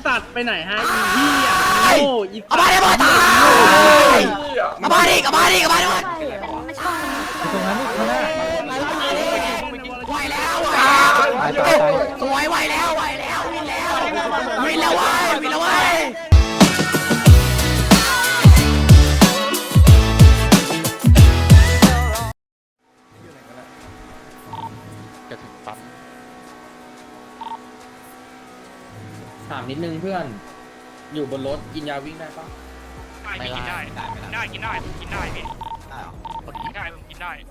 สัตว์ไปไหนฮะอีเหี้ยโง่อีเอามาดิบอลตายเอามาดิเอามาดิเอามาดิไม่ชอบตรงนั้นนี่ข้างหน้าไหวแล้วตายตายตายสวยไหวแล้วไหวแล้ววินแล้ววินแล้วเว้ยวินแล้วเว้ยจะถึงปั๊บถามนิดนึงเพื่อนอยู่บนรถกินยาวิ่งได้ปะไม่กินได้กินได้กินได้ผมกินได้พี่ได้เหรอกินได้ผมกินได้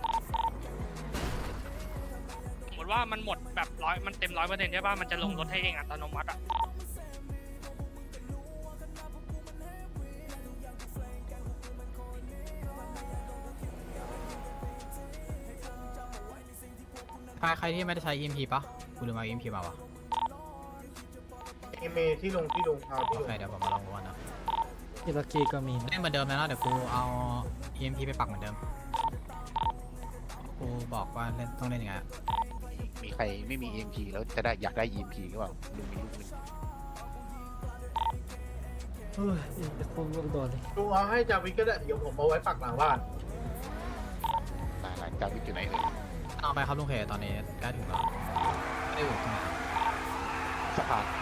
สมมติว่ามันหมดแบบมันเต็ม100%ใช่ป่ะมันจะลงรถให้เองอัตโนมัติอ่ะใครที่ไม่ได้ใช้ EMP ปะกูลืมเอา EMP มาวะเมที่ลงเอาที่โอลงเคเดี๋ยวผมมาลองดูนะอิรักีก็มีนะเล่นเหมือนเดิมนะเดี๋ยวกูเอา EMP ไปปักเหมือนเดิมกูบอกว่าเล่นต้องเล่นยังไงมีใครไม่มี EMP แล้วจะได้อยากได้ EMP หรือเปล่าลุงมีลูกนึงเฮ้ยจะคงโดนเลยลุงเอาให้จาวิกก็ได้เดี๋ยวผมเอาไว้ปักหลังบ้านหลานจาวิทอยู่ไหนเอ่ยเอาไปครับลุงเคตอนนี้ใกล้ถึงแล้วไม่ได้อยู่ตรงไหนสะพาน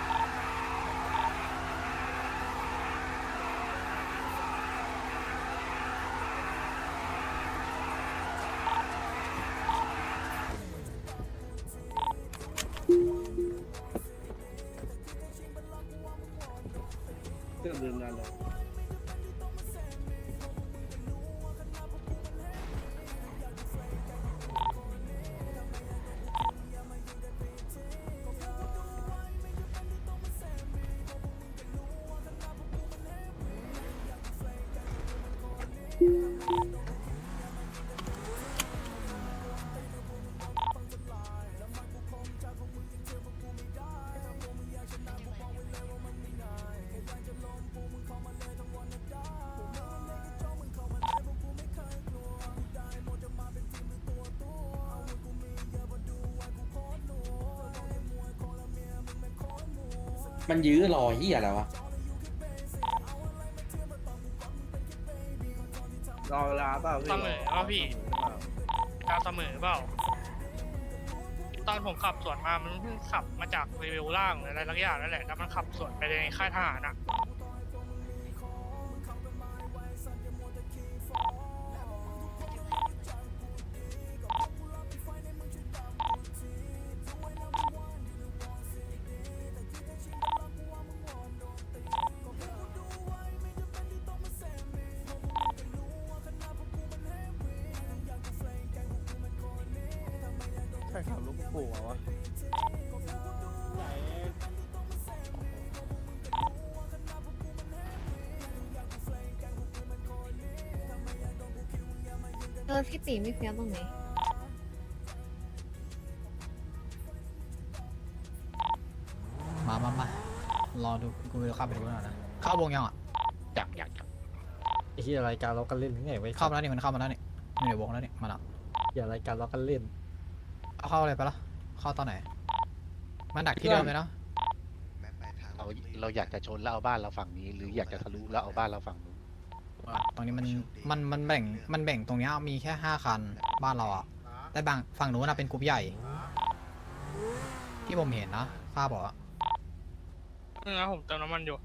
มันยื้อรอเหี้ยอะไรวะรอเวลาเปล่าเสมอเปล่าพี่การเสมอเปล่าตอนผมขับสวนมามันเพิ่งขับมาจากเลเวลล่างหรืออะไรสักอย่างนั่นแหละแล้วมันขับสวนไปในค่ายทหารอ่ะใครขับลูกปู่วะพี่ตีไม่เฟี้ยวตรงไหนมารอดูกูจะเข้าไปดูหน่อยนะเข้าวงยังอ่ะอยากไอ้ที่รายการเรากันเล่นไงไว้เข้ามาแล้วนี่มันเข้ามาแล้วนี่ไม่อยู่วงแล้วนี่มาแล้วอย่ารายการเรากันเล่นเอาเข้าอะไรไปละเข้าตอนไหนมันดักที่เดิมเลยเนาะเราอยากจะชนแล้วเอาบ้านเราฝั่งนี้ หรืออยากจะทะลุแล้วเอาบ้านเราฝั่งนู้นตรงนี้มันแบ่งตรงเนี้ยมีแค่5 คันบ้านเราอ่ะแต่บางฝั่งนู้นนะเป็นกลุ่มใหญ่ ที่ผมเห็นนะข้าบอกอะนะผมเติมน้ำมันอยู่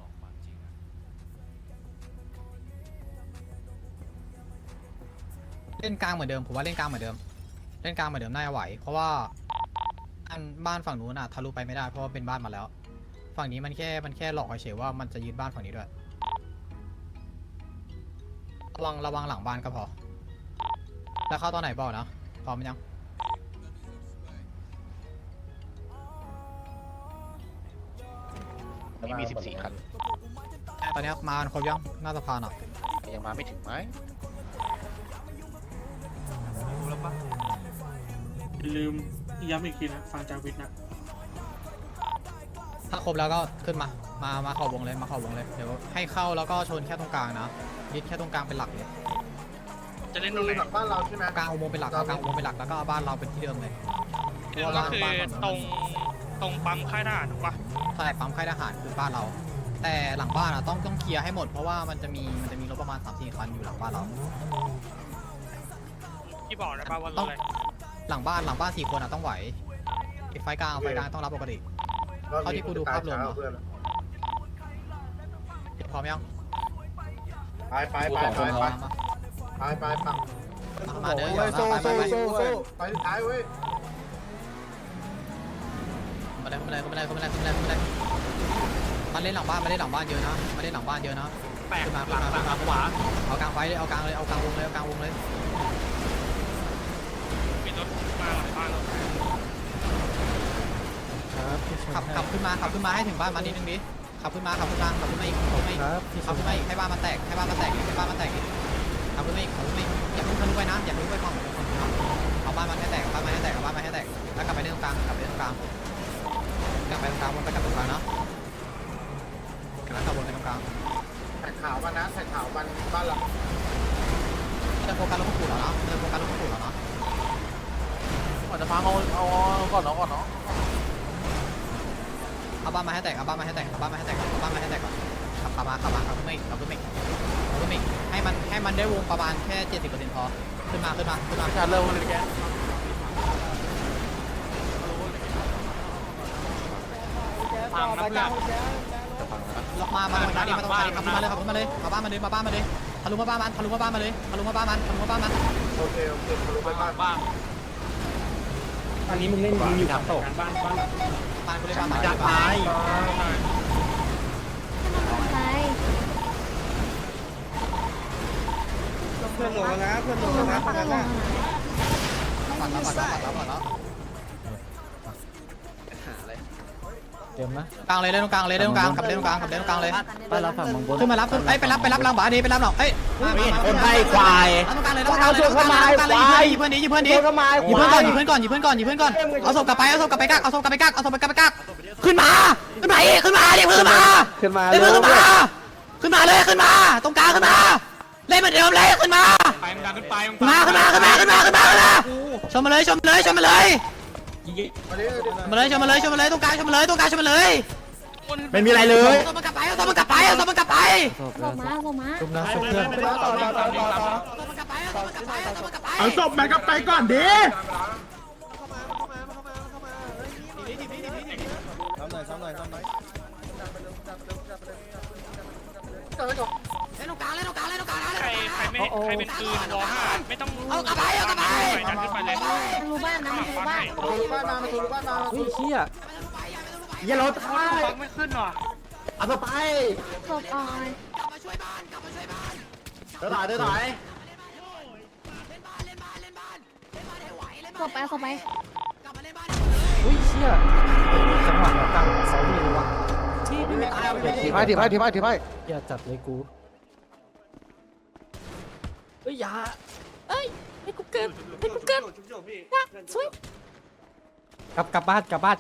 เล่นกลางเหมือนเดิมผมว่าเล่นกลางเหมือนเดิมเล่นกลางเหมือนเดิมน่าจะไหวเพราะว่าบ้านฝั่งนู้นอ่ะทะลุไปไม่ได้เพราะว่าเป็นบ้านมาแล้ว ฝั่งนี้มันแค่หลอกเฉยๆว่ามันจะยึดบ้านฝั่งนี้ด้วยระวังหลังบ้านก็พอแล้วเข้าตอนไหนบอกนะพร้อมยังนี่มี 14 คันตอนนี้มาครบยังหน้าสะพานอ่ะยังมาไม่ถึงไหมอย่าลืมย้ำอีกทีนะฟังจากวิทย์นะถ้าครบแล้วก็ขึ้นมาเข้าวงเลยมาเข้าวงเลยเดี๋ยวให้เข้าแล้วก็ชนแค่ตรงกลางนะยึดแค่ตรงกลางเป็นหลักเลยจะเล่นตรงไหนหลังบ้านเราใช่ไหมกลางอุโมงค์เป็นหลักเอากลางอุโมงค์เป็นหลักแล้วก็เอาบ้านเราเป็นที่เดิมเลยก็คือตรงปั๊มค่ายทหารถูกปะใช่ปั๊มค่ายทหารคือบ้านเรา แต่หลังบ้านอ่ะต้องเคลียร์ให้หมดเพราะว่ามันจะมีรถประมาณ 3-4 คันอยู่หลังบ้านเราที่บอกนะป่าวว่ารถอะไรหลังบ้าน4 คนอ่ะต้องไหวไฟกลางต้องรับปกติ เท่าที่กูดูภาพรวมอะ พร้อมยังไปไปไปไปไปไปฝั่งมาเดินโซ่ไปโซ่โซ่โซ่ไปท้ายเว้ยมาเลยมาเล่นหลังบ้านเยอะนะมาเล่นหลังบ้านเยอะนะแปลกขึ้นมาหลังขวาเอากลางไฟเลยเอากลางวงเลยมีรถมาหลังบ้านเราครับพี่ชนขับขึ้นมาให้ถึงบ้านมันนิดนึงดิขับขึ้นมาอีกครับพี่ชขับนขึ้นมาอีกให้บ้านมันแตกขับขึ้นมาอีกอย่าเพิ่งทะลุไปนะอย่าเพิ่งไปฝั่งเอาบ้านมันให้แตกแล้วกลับไปเรื่องกลางวนไปกลับตรงกลางเนาะแล้วกลับวนไปตรงกลางใส่ขาวมันนะใส่ขาวมันบ้านเราจะโฟกัสลงขู่เหรอเนาะก่อนจะพังเอาก่อนเนาะเอาบ้านมาให้แตกก่อนขับขึ้นมาอีกให้มันได้วงประมาณแค่ 70% พอขึ้นมาการเริ่มเลยแกพังนะเพื่อนล็อกมาตรงนี้ขับขึ้นมาเลยเอาบ้านมาเลยทะลุมาบ้านมันโอเคทะลุไปบ้านอันนี้มึงเล่นมึงอยู่กับการบ้านบ้านกูเลยบ้านมันถนนซ้ายเพื่อนหลงนะเพื่อนหลงนะถนนปัดแล้วเต็มนะกลางเลยเล่นตรงกลางขับเล่นตรงกลางเลยไปรับฝั่งบนขึ้นมารับไปรับหลังบ้านนี้ไปรับหลังคนไทยควายตรงกลางเลยยิงเพื่อนดิยิงเพื่อนก่อนเอาศพกลับไปกักขึ้นมาเรียกเพื่อนขึ้นมาตรงกลางขึ้นมาเล่นเหมือนเดิมเลยขึ้นมาไปมึงดันขึ้นไปชมมาเลยตรงกลางชมมาเลยไม่มีอะไรเลยเอามันกลับไปส่งมาจุ่มนะศพเพื่อนเอาศพมันกลับไปก่อนดิเล่นตรงกลางใครเป็นปืนวอห้าไม่ต้องเอากลับไปดันขึ้นไปเลยทะลุบ้านนะทะลุบ้านทะลุบ้านมาทะลุบ้านมาเฮ้ยเชี่ยอย่ารถฟังไม่ขึ้นหรอเอาไปศพออยกลับมาช่วยบ้านเดินถ่ายศพไปเฮ้ยเชี่ยจังหวะกลางเสาดีเลยวะถีบไปอย่าจัดเลยกูเฮ้ยอย่าให้กูเกิดช่วยกลับบ้านออย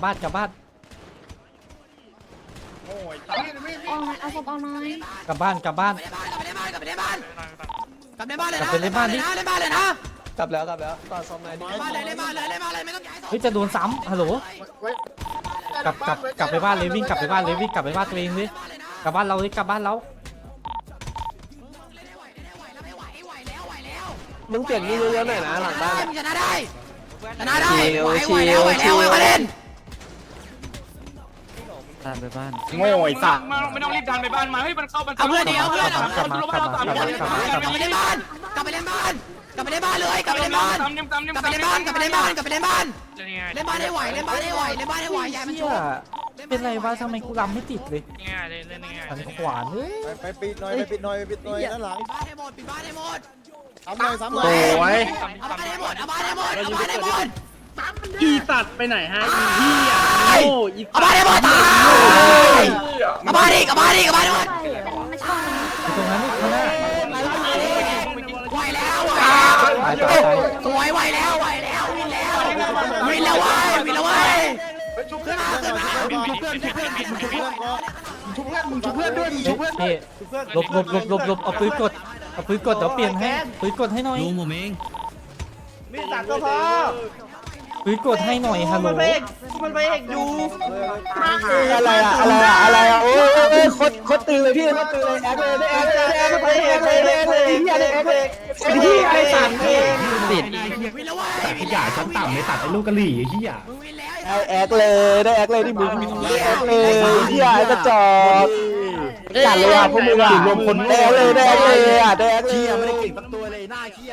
เอาศพออยน้อยกลับบ้านกลับไปในบ้านเลยนะกลับแล้วต่อซ่อมไหนเล่นบ้านเลยไม่ต้องย้ายเฮ้ยจะโดนซ้ำฮัลโหลกลับไปบ้านเลยวิ่งกลับไปบ้านตัวเองเลยกลับบ้านเราเลยกลับบ้านเรามึงเปลี่ยนนี่เยอะๆหน่อยนะหลังบ้านชนะได้ไหวเล่นตามไปบ้านโง่ไอ้สัตว์ไม่ต้องรีบดันไปบ้านมาให้มันเข้ามันเอาเพื่อนเดียวเพื่อนกลับไปเล่นบ้านกลับไปเล่นบ้านเลยกลับไปเล่นบ้านเล่นบ้านให้ไหวใหญ่มันเชี่ชุยบเป็นไรวะทำไมกูรำไม่ติดเลยง่ายเล่นง่ายหันขวานเฮ้ยไปปิดหน่อยด้านหลังปิดบ้านให้หมดซ้ำหน่อยเอาบ้านให้หมดอีสัตว์ไปไหนฮะอีเหี้ยโง่อีเอาบ้านให้หมดตายเอาบ้านอีกให้หมดไม่ใช่อยู่ตรงนั้นนี่ข้างหน้าไหวแล้วตายสวยไหวแล้ววินแล้วเว้ยชุบเพื่อนด้วยเฮ้ยหลบเอาปืนกดเดี๋ยวเปลี่ยนให้ปืนกดให้หน่อยมีสัตว์ก็พอปืฮ้ยกดให้หน่อยฮัลโหลมันไปเอกอยู่อะไรอะโอ้ยโคตรตื่นเลยพี่โคตรตื่นเลยแอคเลยแอคเลยเฮียไอ้สัตว์ติดขยะชั้นต่ำไม่ตัดไอ้ลูกกะหรี่เฮียแอคเลยที่มึงแอคเลยเฮียไอ้กระจอกจัดเลยอ่ะพวกมึงอ่ะรวมคนแอคเลยแอคเลยอ่ะแอคเลยเฮียไม่ได้เก่งสักตัวเลยหน้าเฮีย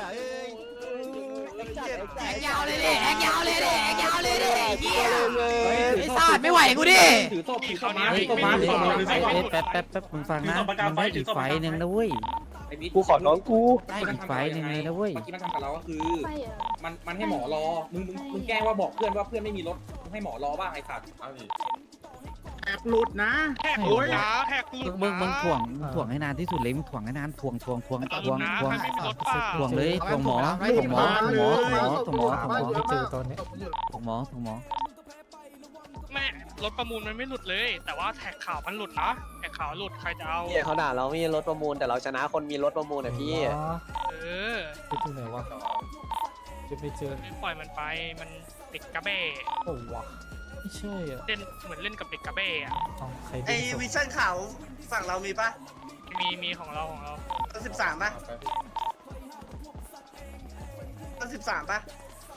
ยาวเลยดิแอกยาวเลยดิแอกยาวเลยดิไอ้สัตว์ไม่ไหวกูดิถือศพพี่ถือศเขาพนี้มาพี่ถือศพมาไม่ถือศพมาไม่แป๊บมึงฟังนะมันได้อีกไฟนึงนะเว้ยไอ้บิ๊กกูขอน้องกูได้อีกไฟนึงเลยนะเว้ยเมื่อกี้มันทำกับเราก็คือไปเหรอมันให้หมอรอ มึงแกล้งว่าบอกเพื่อนว่าเพื่อนไม่มีรถมึงให้หมอรอบ้างไอ้สัตว์เอาดิแหกหลุดนะแหกหลุดนะมึงถ่วงให้นานที่สุดเลยมึงถ่วงให้นานถ่วงหลุดนะถ้าไม่มีรถป้าถ่วงเลยถ่วงหมอไม่เจอตอนนี้ถ่วงหมอแม่รถประมูลมันไม่หลุดเลย แต่ว่าแท็กข่าวมันหลุดนะแท็กข่าวหลุดใครจะเอาพี่เขาด่าเราไม่มีรถประมูลแต่เราชนะคนมีรถประมูลอ่ะพี่เออไปที่ไหนวะจะไปเจอไม่ปล่อยมันไปมันเด็กกระเบ้โอ้วะไม่ใช่อ่ะเล่นเหมือนเล่นกับเด็กกระเบ้อะใครไอวิชั่นขาวฝั่งเรามีปะมีของเราต้น13ปะต้น13ปะ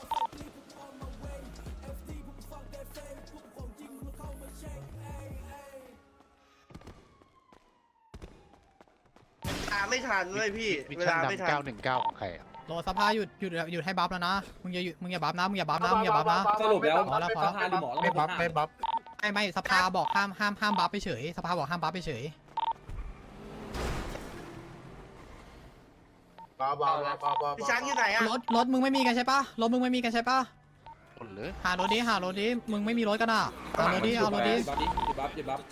ไม่ทันเลยพี่วิเวชั่นลาไม่ทันดำ919ของใครอะโหลสภาหยุดให้บัฟแล้วนะมึงอย่าบัฟนะมึงอย่าบัฟนะสรุปแล้วพอแล้วสภาหรือหมอไม่บัฟไม่บัฟไม่สภาบอกห้ามบัฟไปเฉยสภาบอกห้ามบัฟไปเฉยพี่ช้างอยู่ไหนอ่ะรถมึงไม่มีกันใช่ปะรถมึงไม่มีกันใช่ปะหมดเลยหารถดิมึงไม่มีรถกันอ่ะเอารถดิหยุดบัฟ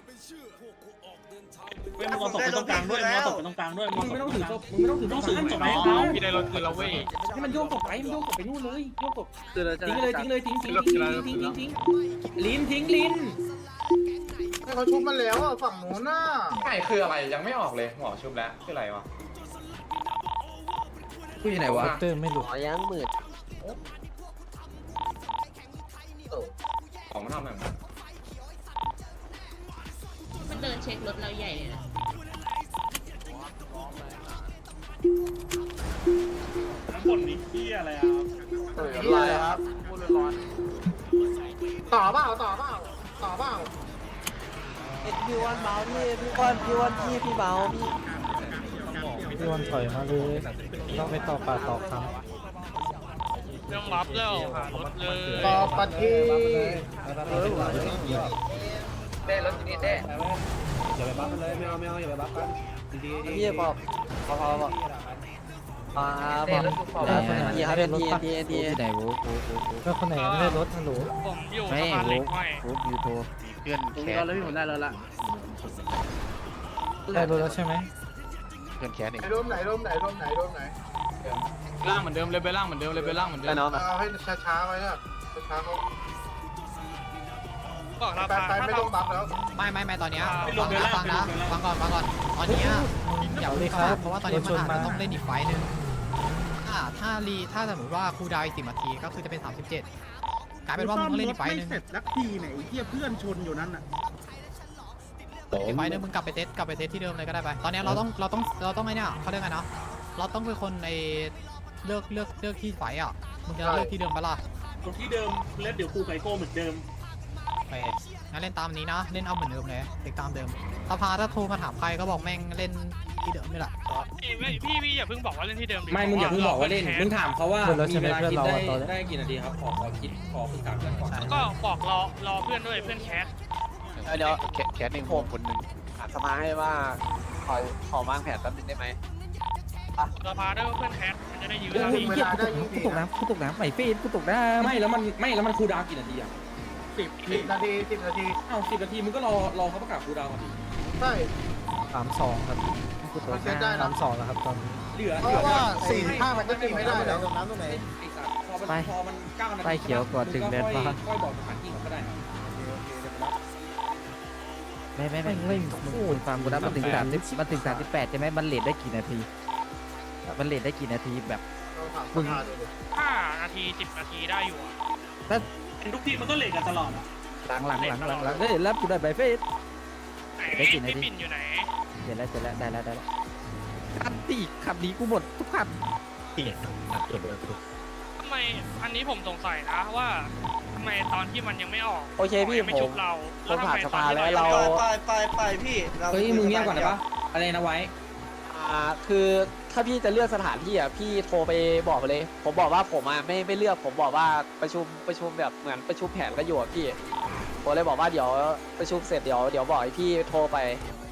เว้ยมึงเอาศพไปตรงกลางด้วยมึงเอาศพไปตรงกลางด้วยมึงไม่ต้องถือศพมึงไม่ต้องถือศพต้องศพไปให้เขาพี่ได้รถคืนแล้วเว้ยให้มันโยกศพไปมันโยกศพไปนู่นเลยโยกศพทิ้งเลยทิ้งลิ้นทิ้งลิ้นให้เขาชุบมันแล้วอ่ะฝั่งโน้นน่ะไม่คืออะไรยังไม่ออกเลยหมอชุบแล้วคืออะไรวะกูอยู่ไหนวะเตอร์ไม่หลุดอ๋อยังมืดของมันทำแบบนั้นมันเดินเช็ครถเราใหญ่เลยนะทั้งหมดนี้พี่อะไรอ่ะอะไรครับต่อเปล่าพี่วันเบาพี่วันพี่เบาพี่พี่วันถอยมาเลยต้องไปต่อปากต่อคำเรื่องรับแล้วหารถเลยต่อปฏิเด้รถที่นี่เด้พี่บอกพอบอกทีครับเป็นทีไหนโว้ก็คนไหนไม่ได้รถฮัลโหลผมอยู่สะพานเหล็กห้อยโว้ยูโทมีเพื่อนแคสได้รถแล้วใช่ไหมเพื่อนแคสเองร่มไหนล่างเหมือนเดิมเลยไปล่างเหมือนเดิมไปน้องเอาให้ช้าๆไว้นะช้าๆเขาบอกราไปคาไม่ต้องบัฟแล้วไม่ตอนเนี้ยฟังก่อนตอนเนี้ยอย่ารีบเพราะว่าตอนนี้มันอาจจะต้องเล่นอีกไฟนึงถ้าสมมติว่าคูลดาวน์อีก10 นาทีก็คือจะเป็น37กลายเป็นว่ามึงต้องเล่นอีกไฟนึงสักทีไหนเหี้ยเพื่อนชนอยู่นั่นน่ะอีกไฟนึงมึงกลับไปเซตที่เดิมเลยก็ได้ไปตอนนี้เราต้องไอ้เนี่ยเขาเรียกไงนะเราต้องเป็นคนในเลือกที่ไฟอ่ะมึงจะเลือกที่เดิมปะล่ะตรงที่เดิมแล้วเดี๋ยวกูไกโก้เหมือนเดิมไปงั้นเล่นตามนี้นะเล่นเอาเหมือนเดิมเลยเด็กตามเดิมสภาถ้าโทรมาถามใครก็บอกแม่งเล่นที่เดิมนี่แหละพี่อย่าเพิ่งบอกว่าเล่นที่เดิมไม่มึงอย่าเพิ่งบอกว่าเล่นมึงถามเขาว่ามีเวลาคิดได้กี่นาทีครับขอคิดขอคุณถามกันก่อนแล้วก็บอกรอเพื่อนด้วยเพื่อนแคสเดี๋ยวแคสเองคนหนึ่งสภาให้ว่าขอวางแผนแป๊บนึงได้ไหมสภาด้วยว่าเพื่อนแคสมันจะได้ยื้อยิ่งเวลาได้ยิ่งดีกูตกน้ำใหม่ฟีดกูตกน้ำไม่แล้วมันคูลดาวน์กี่นาทีอ่ะ 10 นาทีอ้าว10 นาทีมึงก็รอเขาประกาศคูลดาวน์ก่อนดิใช่ 32ครับกูตกน้ำ32แล้วครับตอนนี้เหลือเพราะว่า4-5มันก็ตีไม่ได้แล้วไอ้สัตว์พอมัน9 นาทีไปเขียวก่อนถึงเดินฟ้าค่อยบอกสถานที่เขาก็ได้ไม่เล่นมึงฟังกูนะมันถึง38ใช่ไหมมันเลทได้กี่นาทีแบบ 5 นาที 10 นาทีได้อยู่ทุกทีมันก็เหล็กกันตลอดอ่ะหลังเฮ้ยรับกูได้ใบเฟสไหนพี่ปิ่นอยู่ไหนเสร็จแล้วได้แล้วคันตีขับดีกูหมดทุกคันทำไมอันนี้ผมสงสัยนะว่าทำไมตอนที่มันยังไม่ออกโอเคพี่ไม่ชุบเราผมผ่านสภาแล้วเราไปพี่เฮ้ยมึงเงียบก่อนได้ปะอะไรนะไว้คือถ้าพี่จะเลือกสถานที่อ่ะพี่โทรไปบอกเลยผมบอกว่าผมอ่ะไม่เลือกผมบอกว่าประชุมแบบเหมือนประชุมแผนกันอยู่อ่ะพี่ผมเลยบอกว่าเดี๋ยวประชุมเสร็จเดี๋ยวบอกให้พี่โทรไป